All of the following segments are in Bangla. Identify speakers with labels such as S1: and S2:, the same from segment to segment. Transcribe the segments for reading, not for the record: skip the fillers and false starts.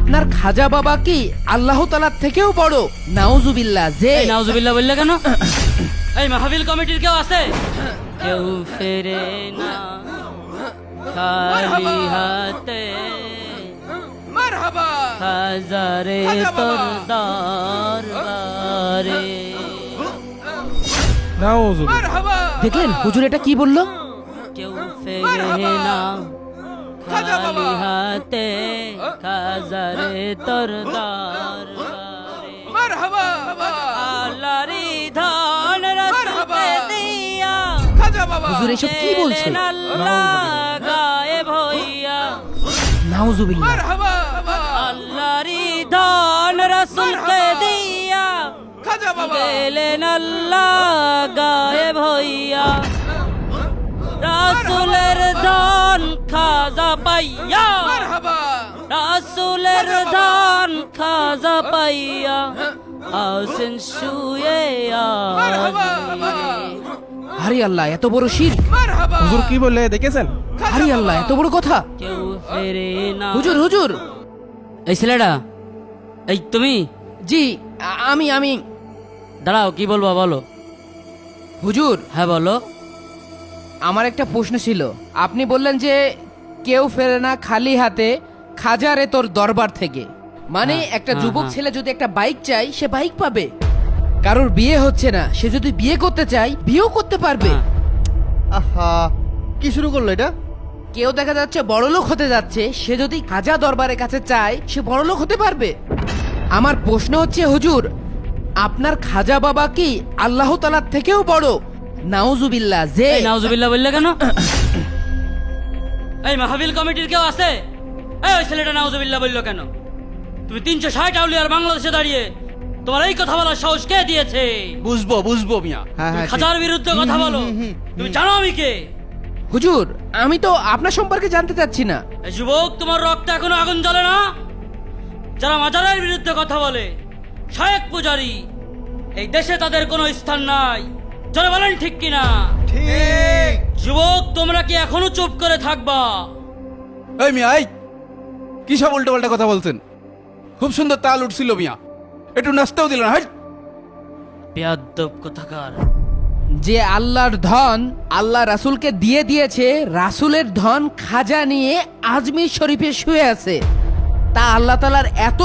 S1: আপনার খাজা বাবা কি আল্লাহ তাআলার থেকেও বড়? নাউজুবিল্লাহ। যে
S2: নাউজুবিল্লাহ বললে কেন? এই মাহফিল কমিটির কেউ আছে? কেউ ফেরে না খালি হাতে,
S1: মারহাবা
S2: হাজারে তোর দরবারে।
S1: মারহাবা। দেখলেন হুজুর এটা কি বলল?
S2: কেউ ফেরে না খালি হাতে, হাজারে তোর দরবারে।
S1: মারহাবা।
S2: আল্লাহরি ধন রাসূলকে দিয়া,
S1: হুজুর এসব কি বলছে?
S2: আল্লাহ গায়েব হইয়া।
S1: নাউজুবিল্লাহ।
S2: আল্লাহরি ধন রাসূলকে দিয়া, গেলেন আল্লাহ গায়েব হইয়া। রাসূলের ধন খাজা পাইয়া, রাসূলের ধন খাজা পাইয়া, আসেন শুয়ে আজমিরে।
S1: হারি আল্লাহ, এত বড় শিরক!
S3: হুজুর কি বললে দেখেছেন?
S1: হারি আল্লাহ, এত বড় কথা!
S2: কেউ ফেরে না।
S1: হুজুর হুজুর।
S2: এই ছেলেটা, এই তুমি?
S1: জি আমি।
S2: দাঁড়াও, কি বলবো বলো।
S1: হুজুর
S2: হ্যাঁ বলো।
S1: আমার একটা প্রশ্ন ছিল। আপনি বললেন যে কেউ ফেরে না খালি হাতে, খাজারে তোর দরবার থেকে। মানে
S2: হ্যাঁ,
S1: একটা
S2: হ্যাঁ,
S1: যুবক
S2: হ্যাঁ।
S1: ছেলে যদি একটা বাইক চাই, সে বাইক পাবে। কারোর বিয়ে হচ্ছে না, সে যদি বিয়ে করতে চায়, বিয়েও করতে পারবে।
S2: হ্যাঁ।
S3: আহা, কি শুরু করলো এটা?
S1: কেউ দেখা যাচ্ছে বড়লোক হতে যাচ্ছে, সে যদি খাজা দরবারের কাছে চায়, সে বড়লোক হতে পারবে। আমার প্রশ্ন হচ্ছে হুজুর, আপনার খাজা বাবা কি আল্লাহ তাআলার থেকেও বড়? নাউজুবিল্লাহ। যে
S2: এই নাউজুবিল্লাহ বললে কেন? এই মাহফিল কমিটির কেউ আছে? এই ওই ছেলেটা নাউজুবিল্লাহ বললো কেন? তুমি 360 আউলিয়ার বাংলাদেশে দাঁড়িয়ে তোমার এই কথা বলার সাহস কে দিয়েছে?
S4: বুঝবো মিয়া।
S3: হ্যাঁ
S2: তুমি
S3: হ্যাঁ,
S2: খাজার বিরুদ্ধে কথা বলো। তুমি জানো আমি কে?
S1: হুজুর, আমি তো আপনার সম্পর্কে জানতে চাচ্ছি না।
S2: এই যুবক, তোমার রক্তে এখনো আগুন জ্বলে না? যারা মাজারের বিরুদ্ধে কথা বলে, শায়েক পূজারি, এই দেশে তাদের কোনো স্থান নাই। যারা বলেন ঠিক কিনা?
S3: ঠিক।
S2: যুবক, তোমরা কি এখনো চুপ করে থাকবা?
S4: এই মিয়া, এই কি সব উল্টো পাল্টা কথা বলছেন? খুব সুন্দর তাল উঠছিল মিয়া, একটু নাচতেও দিল না। হাই,
S2: বেয়াদ্দব কোথাকার।
S1: যে আল্লাহর ধন আল্লাহ রাসূলকে দিয়ে দিয়েছে, রাসূলের ধন খাজা নিয়ে আজমির শরীফে শুয়ে আছে। তা আল্লাহ তাআলার এত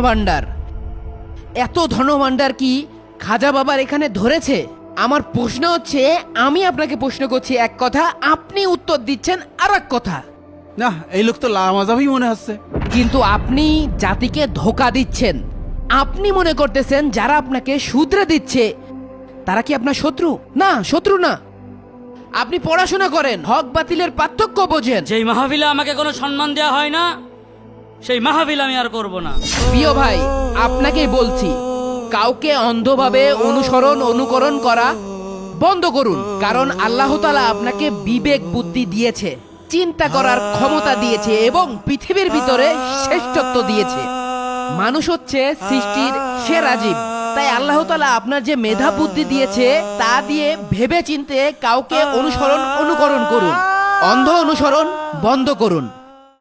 S1: ধনভাণ্ডার কি খাজা বাবার এখানে ধরেছে? আমার প্রশ্ন হচ্ছে, আমি আপনাকে প্রশ্ন করছি এক কথা, আপনি উত্তর দিচ্ছেন আর এক কথা।
S4: না, এই লোক তো লামাজাবই মনে হচ্ছে।
S1: কিন্তু আপনি জাতিকে ধোঁকা দিচ্ছেন। আপনি মনে করতেছেন যারা আপনাকে শুধরে দিচ্ছে তারা কি আপনার শত্রু? না, শত্রু না। আপনি পড়াশোনা করেন, হক বাতিলের পার্থক্য বোঝেন।
S2: যেই মাহফিলে আমাকে কোনো সম্মান দেওয়া হয় না, সেই মাহফিল আমি আর করব না।
S1: প্রিয় ভাই, আপনাকেই বলছি, কাউকে অন্ধভাবে অনুকরণ করা বন্ধ করুন। কারণ আল্লাহ তাআলা আপনাকে বিবেক বুদ্ধি দিয়েছে, চিন্তা করার ক্ষমতা দিয়েছে এবং পৃথিবীর ভিতরে শ্রেষ্ঠত্ব দিয়েছে। মানুষ হচ্ছে সৃষ্টির সেরা জীব। তাই আল্লাহ তাআলা আপনার যে মেধা বুদ্ধি দিয়েছে, তা দিয়ে ভেবে চিন্তে কাউকে অনুকরণ করুন। অন্ধ অনুসরণ বন্ধ করুন।